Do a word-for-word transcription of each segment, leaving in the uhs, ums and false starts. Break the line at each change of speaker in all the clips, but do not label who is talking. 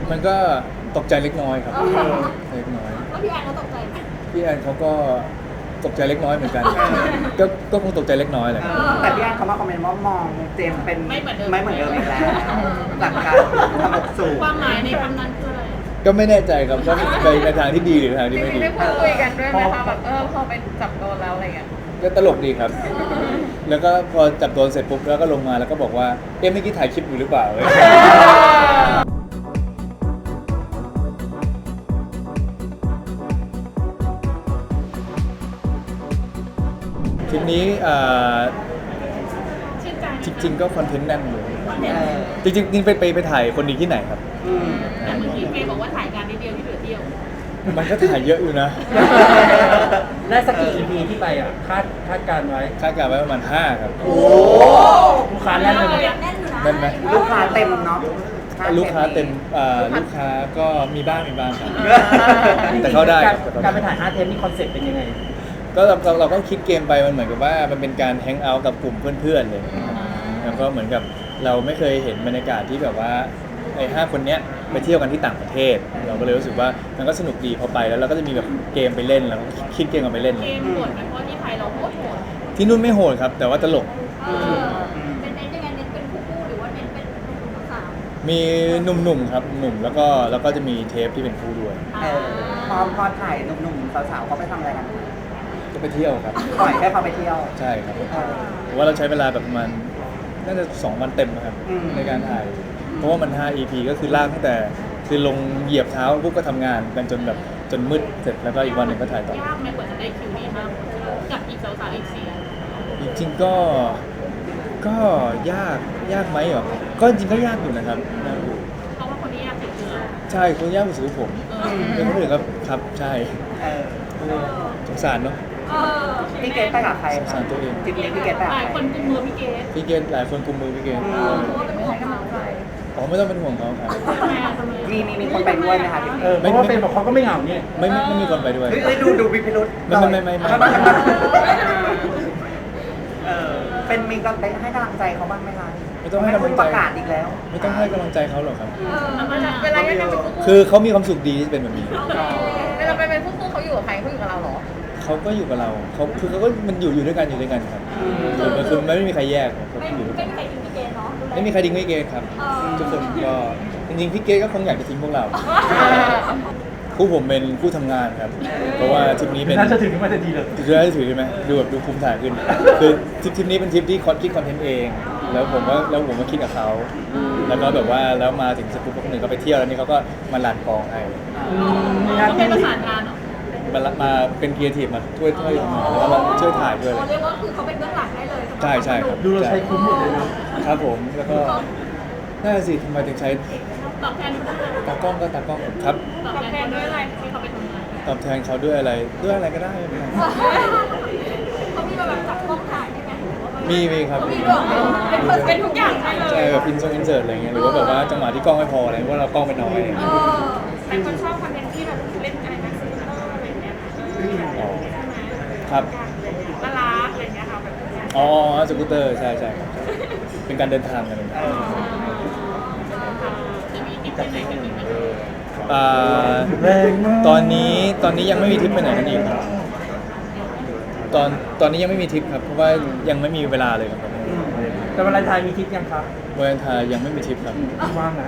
มันก็ตกใจเล็กน้อยครับเล็กน้อย
แล้วพี่แอนเขาตกใจไหม
พี่แอนเขาก็ตกใจเล็กน้อยเหมือนกันก็ก็คงตกใจเล็กน้อยแหละ
แต่พี่แอนเขามาคอมเมนต์ว่ามองเจมส์เป็น
ไม่เหมือนเดิม
ไม่เหมือนเดิมอีกแล้วจากการทำบทสูง
ความหมายในคำนั้นคืออะไร
ก็ไม่แน่ใจครับว่าไปในทางที่ดีหรือทางที่ไม่ดี
ได้พูดคุยกันด้วยไหมคะแบบเออพอไปจับโดนแล้วอะไรเงี้ย
ก็ตลกดีครับ แล้วก็พอจับโดนเสร็จปุ๊บแล้วก็ลงมาแล้วก็บอกว่าเอ๊ะเมื่อกี้ถ่ายคลิปอยู่หรือเปล่าคลิปนี้อ่า
ชื่นใจ
จริงๆก็คอนเทนต์แน่นอยู่
เออ
จริงๆนี่ไปไปไปถ่ายคนดีที่ไหนครับ
อืม
แต่เมื่อกี้เมย์บอกว่าถ่ายงานนิดเดียวที่เหลือเที่ยว
มันก็ถ่ายเยอะอยู่นะ
ได้สักกี่ อี พี ที่ไปอ่ะคาดคาดการไว้
คาดการณ์ไว้ประมาณห้าครับ
โอ้
ลูกค้าแน่นเลย
แน่นอยู่นะ
แน่นไหม
ลูกค้าเต็มเนาะ
ลูกค้าเต็มอ่าลูกค้าก็มีบ้างมีบ้างครับ
จริงๆ
แต่เข้าได้ครับ
การไปถ่ายห้าเทปนี่คอนเซ็ปต์เป็นยังไง
ก็เราเราเราก็คิดเกมไปมันเหมือนกับว่ามันเป็นการแฮงเอาท์กับกลุ่มเพื่อนๆเลยนะครับแล้วก็เหมือนกับเราไม่เคยเห็นบรรยากาศที่แบบว่าไอ้ห้าคนเนี้ยไปเที่ยวกันที่ต่างประเทศ เราก็เลยรู้สึกว่ามันก็สนุกดีพอไปแล้วเราก็จะมีแบบเกมไปเล่นแล้วก็คิดเกมกันไปเล่น
เกมโหดไหมเพราะที่ไทยเราโคตรโหด
ที่นู่นไม่โหดครับ แต่ว่าตลก
เออเป็นเน้นยังไงเน้นเป็นคู่ๆหรือว่าเน้นเป็นหนุ่มๆสาว
มีหนุ่มๆครับหนุ่มแล้วก็แล้วก็จะมีเทปที่เป็นคู่ด้วย
ๆ
เออพอพอถ่ายหนุ่มๆสาวๆเขาไปทำอะไรกัน
ก็ไปเที่ยวครับ
ปล่อยให้เขาไปเที่ยว
ใช่ครับ
เออ
เพราะว่าเราใช้เวลาแบบประมาณน่าจะสองวันเต็มนะครับ
อืม
ในการถ่าย เพราะว่ามัน ห้า อี พี ก็คือลากตั้งแต่คือลงเหยียบเท้าปุ๊บก็ทำงานกันจนแบบจนมืดเสร็จแล้วก็อีกวันหนึ่งก็ถ่ายต่อ
ยากไหมกว่าจะได้คิวนี้มากกับอีกสาวๆอีกสี่
จริงๆก็ก็ยากยากไหมเหรอก็จริงๆก็ยากอยู่นะครับยากอยู่
เพราะว่าคนที่ยากสุดคือเรา
ใช่คนยากกว่าสุดผม
เออ
เป็นคนอื่นครับครับใช่
เออ
สงสารเนาะ
เออ
พี่เกดไปกับใคร
สงสารตัวเอง
ทริปนี้พี่เกดไปกับ
หลาย
ใค
ค
ร
นกุมมือพี่เกด
พี่เกณฑ์หลายคนกุมมือพี่เกณฑ์
อืม
เพราะว่าเป็นห่วงเขา
อ๋อไม่ต้องเป็นห่วงเขาครับ
ทำไมอ่ะทำไม
มีมีมีคนไปด้วยไหมคะทริป
เอ
นี้
อ เพราะว่าเป็นบอกเขาก็ไม่เหงาเนี่ย
ไม่ไม่ไม่มีคนไปด้วย
เฮ้ยเฮ้ยดูดูวิพิรุษ
ไม่ไม่ไม่ไม่ไม่
เออเป็นมีกำลังใจให้กำลังใจเขาบ้างไหมคะ
ไม่ต้องให้กำลัง
ป
ใจ
ระกาศอีกแล้ว
ไม่ต้องให้กำลังใจเขาหรอกครับ
เวลายังเป็นคู่
คือเขามีความสุขดีที่เป็นแบบนี้
เวลาไปเป็นคู่คู่เขาอยู่กับใครเขาอยู่กับเราเหรอ
เขาก็อยู่กับเราเขาคือเขาก็มันอยู่อยู่ด้วยกันอยู่ด้วยกันครับคือมันคือไม่มีใครแยกครับเขา
ไม่
อยู่ด้วย
ไม่
กัน
มีใครทิ้งพี่เกดเนาะดูแล
ไม่มีใครทิ้งไม่เกย์ครับ
เออ
ทุกคนก็จริงๆพี่เกย์ก็คงอยากจะทิ้งพวกเราคู่ผมเป็นคู่ทำงานครับ เพราะว่าทริปนี้เป็น
น่าจะถึงขึ้นมาทันทีเลย
ถือได้ถือใช่ไหมดูแบบดูภูมิฐานขึ้น คือทริปทริปนี้เป็นทริปที่คอนคิดคอนเทนต์เอง แล้วผมก็แล้วผมก็คิดกับเขาแล้วก็แบบว่าแล้วมาถึงสกู๊ปคนหนึ่งก็ไปเที่ยวแล้วนี่เขาก็มาลันกองให้
ต้องเป็นประสานงานเหรอ
มาละมาเป็นครีเอทีฟมาช่วยช่วยแล้วก็มาช่วยถ่ายด้วยอะไร
เขาเรียกว่าคือเขาเป็นเบื้องหลังได้เลย
ใช่ใช่ครับ
ดูเราใช้คุ้มหมดเลยเนาะ
ครับผมแล้วก็น่าสิทำไมถึงใช้
ตอบแทนเขาด้วย
ตากล้องก็ตากล้องครับ
ตอบแทนด้วยอะไรที่เขาไปทำงาน
ตอบแทนเขาด้วยอะไรด้วยอะไรก็ได้ไม่เป็นไร
เขามีมาแบบจับกล้องถ่ายใช่ไหม
มีมีครับ
เขามีด้วยเป็นเป็นทุกอย่างให้เลย
ใช่แบบอินซงอินเสิร์ตอะไรเงี้ยหรือว่าแบบว่าจังหวะที่กล้องไม่พออะไรเพราะว่าเรากล้องไม่น้อย
เออแต่คนชอบคอนเทนต์ที่แบบเล่นอะไรนะซิงเกิลอะไรเงี้ย
อ๋อครับ
น่ารักอะไรเงี้ยค่ะแบบ
อ๋อสกูตเตอร์ใช่ใช่ครับเป็นการเดินทางกันเลย
เออ
จะมีทริปไปไหนกันอีกไหม
อ่า
แรงมาก
ตอนนี้ตอนนี้ยังไม่มีทริปไปไหนกันอีกครับตอนตอนนี้ยังไม่มีทริปครับเพราะว่ายังไม่มีเวลาเลยครับ
แต่วันวาเลนไทน์มีคิดยังครับ
วาเลนไทน์ยังไม่มีทริปครับ
ว่างนะ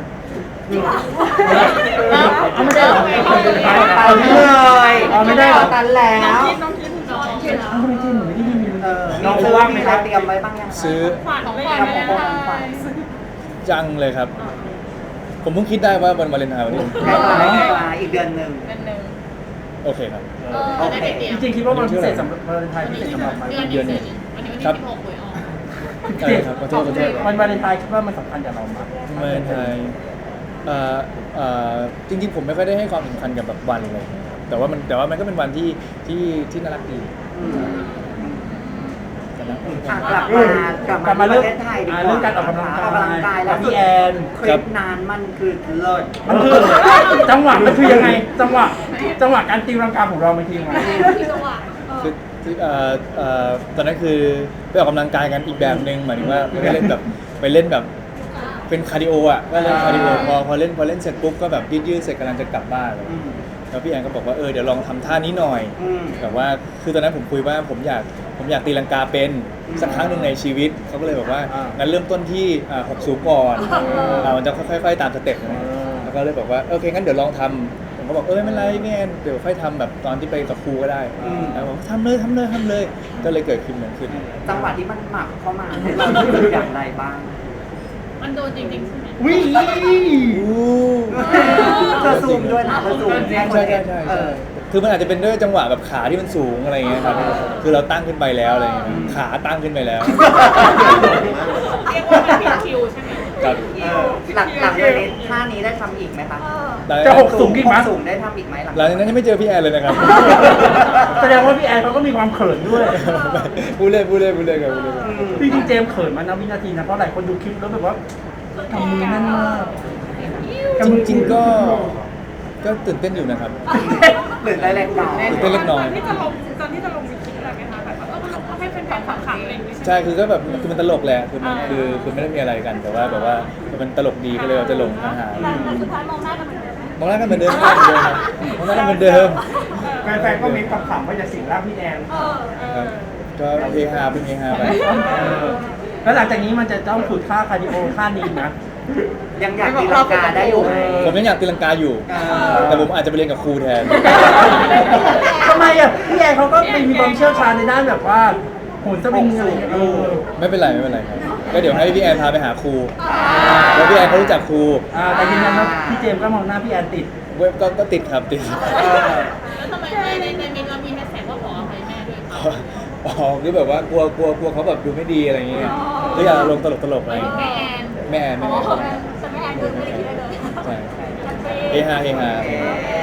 เอาไม่ได้เหรอ
ตันเลย
เอาไม่ได้เหรอ
ตันแล้ว
น้องคิดน้องคิดน้องคิด
เอ้าทำไมเจนหนูไม่ได้ยินมี
เออ
น้อง
มี
เขา
ซื้อ
ว่างไหม
มี
ค
อะไร
รับ
เตรียมไว้บ้างยังคะ
ซื้อ
ขวัญไม่
ทำของคนขวัญ
จังเลยครับ ผมเพิ่งคิดได้ว่าวันวาเลนไทน์วันนี้
ใกล้ๆใกล้ๆอีกเดือนหนึ่ง
เป็นหนึ่ง
โอเคครับ
เออได้เดียว
จริงๆคิดว่าวันพิเศษสำหรับวาเลนไทน์พิเศษสำหรับไหม
เดือนนี้วันนี้วันที่สิบหกหวยออก
ใช่ครับขอโทษขอโทษ
วันวาเลนไทน์คิดว่ามันสำคัญกับเราไหม
วาเลนไทน์เอ่อเอ่อจริงๆผมไม่ค่อยได้ให้ความสำคัญกับแบบวันเลยแต่ว่ามันแต่ว่ามันก็เป็นวันที่ที่ที่น่ารักดี
อืม
น่ารักดี
อ่ะกลับมากลับ
กลับ
มา
มา
ที่
เรื่อง
ประเทศไทยดีกว่า
เรื่องการออกกำลังกาย
ออกกำลังกายแล้ว
พี่แอน
คลิปนานมันคือเลิศ
มันคือจังหวะมันคือยังไง จังหวะจังหวะการตีรังกาของเรามันคือยังไง
ที่จังหวะ
คือคือเอ่อเอ่อตอนนั้นคือไปออกกำลังกายกันอีกแบบหนึ่งหมายถึงว่าไม่ได้เล่นแบบไปเล่นแบบเป็นคาร์ดิโออ่ะก็เล่นคาร์ดิโอพอพอเล่นพอเล่นเสร็จปุ๊บก็แบบยืดๆเสร็จกำลังจะกลับบ้านเลย
อืม
แล้วพี่แอนก็บอกว่าเออเดี๋ยวลองทำท่านี้หน่อย
อืม
แบบว่าคือตอนนั้นผมคุยว่าผมอยากผมอยากตีลังกาเป็นสักครั้งหนึ่งในชีวิตเขาก็เลยบอกว่า
อ่างั้
งั้นเริ่มต้นที่อ่าหกสูงก่อนอ่ามันจะค่อยๆตามสเต็ปนะแล้วก็เลยบอกว่าโอเคงั้นเดี๋ยวลองทำผมก็บอกเออไม่เป็นไรพี่แอนเดี๋ยวค่อยทำแบบตอนที่ไปกับครูก็ได้แล้วบอกทำเลยทำเลยทำเลยก็เลยเกิดขึ้นเหมือนขึ้น
จังหวะที่มันหมักเข้ามาให้เรารู้สึกอย่างไรบ้าง
มันโดนจริงๆใช่ไหม
วิ
เธอซูมด้วยนะเธอซูม
ใช่ใช่ใช่ใช่
เออ
คือมันอาจจะเป็นด้วยจังหวะแบบขาที่มันสูงอะไรอย่างเงี้ยครับคือเราตั้งขึ้นไปแล้วอะไรอย่างเงี้ยขาตั้งขึ้นไปแล้ว
เรียกว่ามันผิดคิวใช่ไหม
ครับ
เออหลังหลังจากนี้ท่านี้ได้ทำอีกไหมคะ
จะหกสูงอีกไหม
สูงได้ทำอีกไหมหลัง
หลังจากนั้นยังไม่เจอพี่แอนเลยนะครับ
แสดงว่าพี่แอนเขาก็มีความเขินด้วย
พูดเล่นพูดเล่นพูดเล่นครับพูดเล่น
อืม
พี่จริงๆเจมส์เขินมานะวินาทีนะเพราะหลายคนดูคลิปแล้วแบบว่าทำมือแน่นมาก
จริงๆก็ก็ตื่นเต้นอยู่นะครับ
หรือได้แรงเก่า
ตื่นเต้นเล็กน้อย
ตอนที่จะลงตอนที่จะลงมีคิดอะไรไหมคะแบบว่าเออมันก็ให้เป็นแบบขำๆอะไรอย่างเงี้ย
ใช่คือก็แบบคือมันตลกแหละคือมันคือคือไม่ได้มีอะไรกันแต่ว่าแบบว่าคือมันตลกดีก็เลยเราจะลงอาหาร
แต่สุดท้ายมองหน้ากันเหมือนเดิมไหม
มองหน้ากันเหมือนเดิมมองหน้ากันเหมือนเดิม
แฟนๆก็มีคำถามว่าจะสิงร่างพี่แอน
เออเอ
ครั
อบ
ก็เฮฮาเป็นเฮฮาไป
แล้วหลังจากนี้มันจะต้องฝึกท่าคาร์ดิโอท่านี้นะ
ยังอยากตีลังกาได้อยู่ไหม
ผมยังอยากตีลังกาอยู่ แต่ผมอาจจะไปเรียนกับครูแทน
ทำไมอ่ะพี่แอนเขาก็มีความเชี่ยวชาญในด้านแบบว่าโหนสวิงอะไรอย่างเงี้ยเออ
ไม่เป็นไรไม่เป็นไรครับก็เดี๋ยวให้พี่แอนพาไปหาครูแล้วพี่แอนเขารู้จักครู
อ่าแต่ยืนยันว่าพี่เจมส์ก็มองหน้าพี่แอนติด
เว็บก็ก็ติดครับติด
แล้วทำไมในในในมินเรามีแฮชแท็กว่าขออภัยแม่ด้วย
อ๋อคือแบบว่ากลัวกลัวกลัวเขาแบบดูไม่ดีอะไรอย่างเงี้ยก็อยากลงตลกตลกๆอะไรอย่างเงี้ย
แม่แอน
แม่แอนแม่แอน
แต่แม่แอนดูไม่ได้คิดอะไรเลย
ใช่เฮฮาเฮฮา